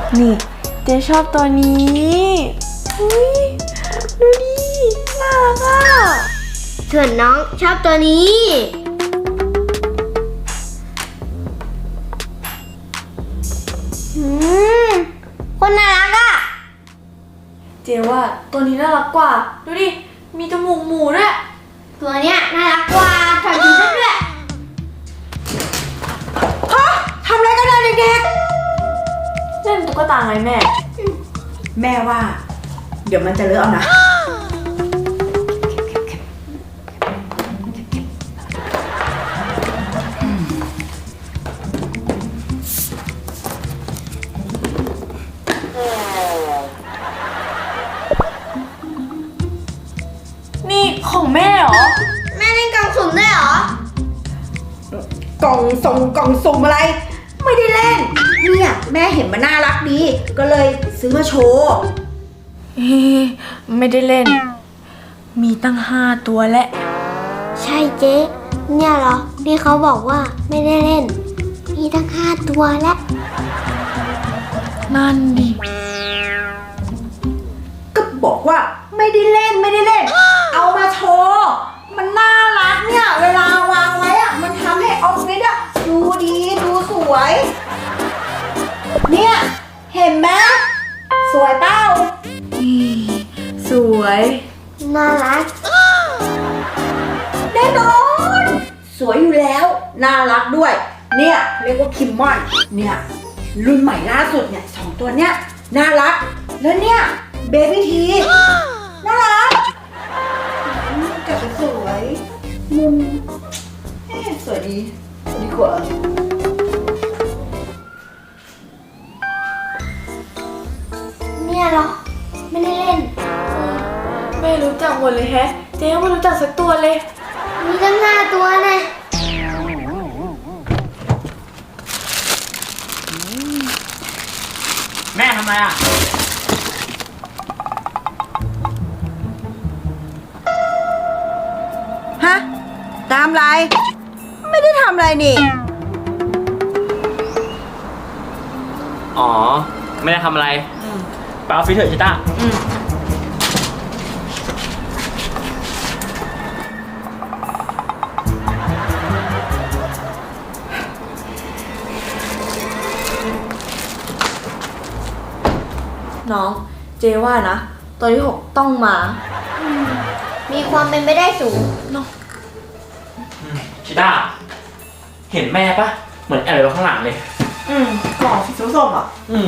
นี่เจ๊ชอบตัวนี้อุ้ยดูดิน่ารักอ่ะส่วนน้องชอบตัวนี้คนน่ารักอ่ะเจ๊ว่าตัวนี้น่ารักกว่าดูดิมีจมูกหมูด้วยตัวเนี้ยน่ารักกว่าถอดชุดด้วยฮะทำอะไรกันนะเด็กเล่นตุ๊กตาไงแม่ๆแม่ว่า เดี๋ยวมันจะเลอะเอานะนี่ของแม่เหรอแม่เล่นกล่องสุ่มด้วยเหรอกล่องสุ่มอะไร ไม่ได้เล่นเนี่ยแม่เห็นมันน่ารักดี ก็เลยซื้อมาโชว์ไม่ได้เล่นมีตั้ง5 ตัวและใช่เจ๊เนี่ยเหรอที่เขาบอกว่าไม่ได้เล่นมีตั้ง5 ตัวแล้วนั่นดิก็บอกว่าไม่ได้เล่นเอามาโชว์มันน่ารักเนี่ยเวลาวางไว้อะมันทำให้ออฟฟิศอะดูดีดูสวยเนี่ยเห็นไหมสวยเป้าสวยน่ารักแน่นอนสวยอยู่แล้วน่ารักด้วยเนี่ยเรียกว่าคิมมอนเนี่ยรุ่นใหม่ล่าสุดเนี่ย2 ตัวเนี้ยน่ารักแล้วเนี่ยเบบี้ทีน่ารักแต่ก็สวยมุมสวยดีกว่าเนี่ยเหรอไม่ได้เล่นไม่รู้จักหมดเลยแฮะเจ๊ไม่รู้จักสักตัวเลยมีตั้ง5 ตัวนะแม่ทำไมอ่ะฮะตามไรไม่ได้ทำอะไรนี่อ๋อไม่ได้ทำอะไรไปออฟฟิศเถอะชิต้าน้องเจว่านะตัวที่6ต้องมามีความเป็นไปได้สูงเนาะชิต้าเห็นแม่ปะเหมือนแอบอยู่ข้างหลังเลยกล่องสีส้มๆอ่ะ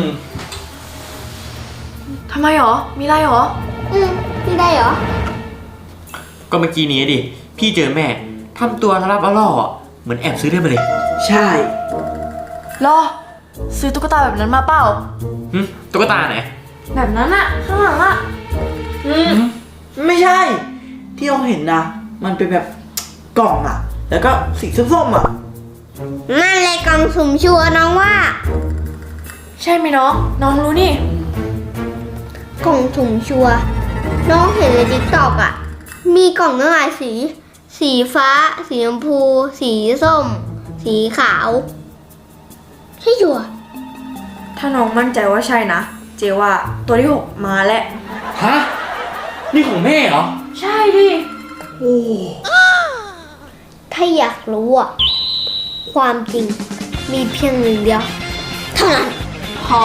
ทำไมหรอมีไรหรอไม่ได้เหรอก็เมื่อกี้นี้ดิพี่เจอแม่ทำตัวรับล่อเหมือนแอบซื้อได้มาเลยใช่รอซื้อตุ๊กตาแบบนั้นมาเปล่าตุ๊กตาไหนแบบนั้นอะข้างหลังอะไม่ใช่ที่เราเห็นนะมันเป็นแบบกล่องอะแล้วก็สีส้มๆอะนั่นเลยกล่องสุ่มชัวร์น้องว่าใช่ไหมน้องรู้นี่กล่องสุ่มชัวร์น้องเห็นในTikTokอะมีกล่องตั้งหลายสีฟ้าสีชมพูสีส้มสีขาวใช่ชัวร์ถ้าน้องมั่นใจว่าใช่นะเจว่าตัวที่6มาแล้วฮะนี่ของแม่เหรอใช่ดิโอ้ถ้าอยากรู้อะความจริงมีเพียง1 เดียวเท่านั้นพอ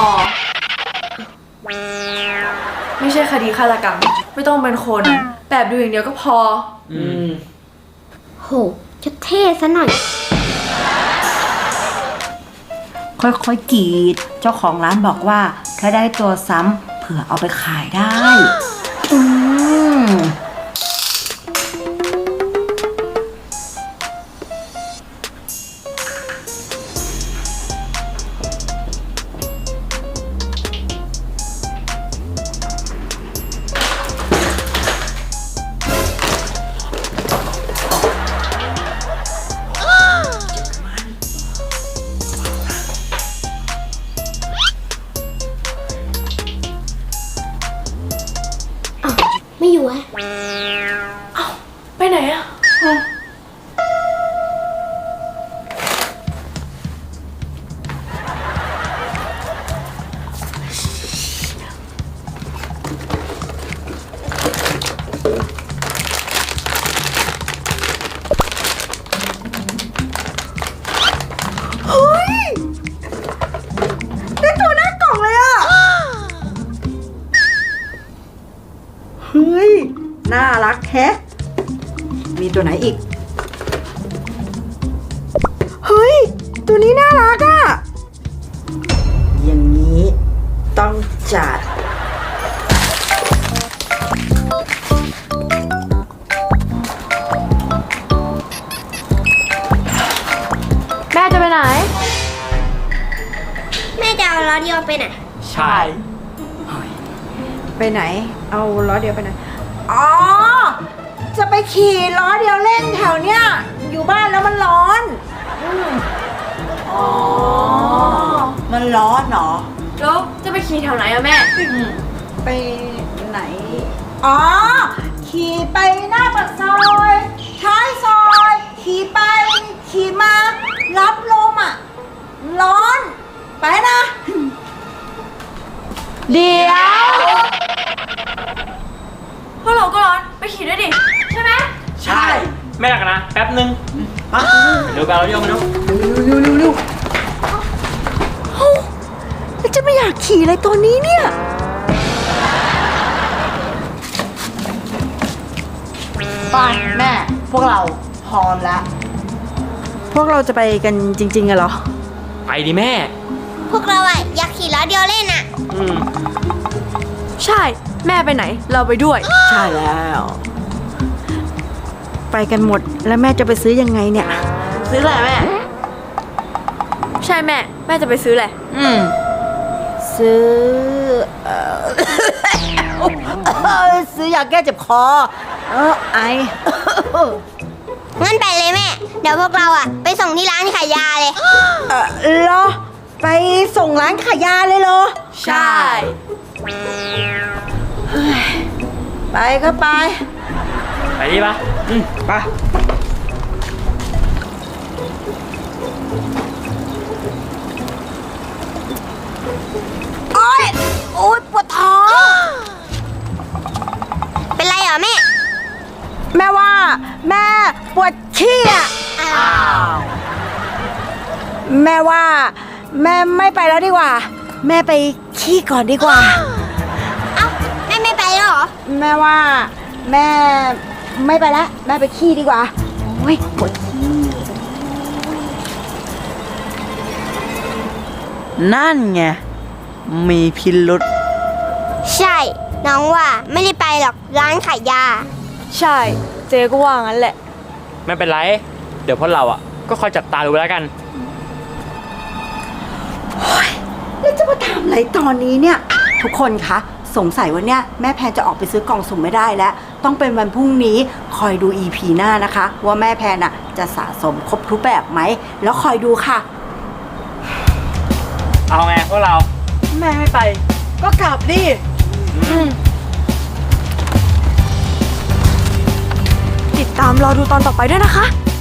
ไม่ใช่คดีฆาตกรรมไม่ต้องเป็นคนแบบดูอย่างเดียวก็พอโหจะเท่ซะหน่อยค่อยๆกรีดเจ้าของร้านบอกว่าถ้าได้ตัวซ้ำเผื่อเอาไปขายได้ไม่อยู่อะเอ้าไปไหนอะแฮะ มีตัวไหนอีก เฮ้ย ตัวนี้น่ารักอะอย่างนี้ต้องจัดแม่จะไปไหนแม่จะเอาล้อเดียวไปไหนใช่ไปไหน เอาล้อเดียวไปไหน อ๋อ จะไปขี่ล้อเดียวเล่นแถวเนี้ย อยู่บ้านแล้วมันร้อนอ๋อ มันร้อนเหรอแล้วจะไปขี่แถวไหนอะแม่ไปไหน อ๋อ ขี่ไปหน้าปากซอยท้ายซอย ขี่ไป ขี่มา รับลมอ่ะ ร้อน ไปนะเดี๋ยวพวกเราก็ร้อน ไปขี่ด้วยดิ ใช่ไหมใช่ ไม่หนักนะ แป๊บนึงมาเดี๋ยวไปเอาเรื่องมาดูเร็วแล้วจะไม่อยากขี่อะไรตัวนี้เนี่ย ไปแม่ พวกเราพร้อมแล้ว พวกเราจะไปกันจริงๆอะเหรอไปดิแม่พวกเราอะอยากขี่ล้อเดียวเล่นอะอืมใช่ แม่ไปไหน เราไปด้วยใช่แล้ว ไปกันหมดแล้วแม่จะไปซื้อยังไงเนี่ยซื้ออะไรแม่ ใช่แม่ แม่จะไปซื้ออะไรซื้อ ซื้อยาแก้เจ็บคอ ไองั้นไปเลยแม่ เดี๋ยวพวกเราอะไปส่งที่ร้านขายยาเลยเหรอ ไปส่งร้านขายยาเลยเหรอใช่ไปก็ไปไปดิปะไปโอ๊ยปวดท้องเป็นไรเหรอแม่แม่ว่า แม่ปวดขี้อ่ะ แม่ว่า แม่ไม่ไปแล้วดีกว่า แม่ไปขี้ก่อนดีกว่าเอ้าแม่ไม่ไปแล้วเหรอแม่ว่า แม่ไม่ไปแล้ว แม่ไปขี้ดีกว่า โอ้ยปวดขี้นั่นไง มีพิรุษใช่ น้องว่าไม่ได้ไปหรอกร้านขายยาใช่ เจ๊ก็ว่างั้นแหละไม่เป็นไร เดี๋ยวพวกเราอ่ะ ก็คอยจับตาดูแล้วกันแล้วจะมาทำอะไรตอนนี้เนี่ย ทุกคนคะสงสัยว่าเนี่ยแม่แพนจะออกไปซื้อกล่องสุ่มไม่ได้แล้ว ต้องเป็นวันพรุ่งนี้คอยดู EP หน้านะคะ ว่าแม่แพนน่ะจะสะสมครบทุกแบบไหม แล้วคอยดูค่ะเอาไงพวกเราแม่ไม่ไป ก็กลับดิติดตามรอดูตอนต่อไปด้วยนะคะ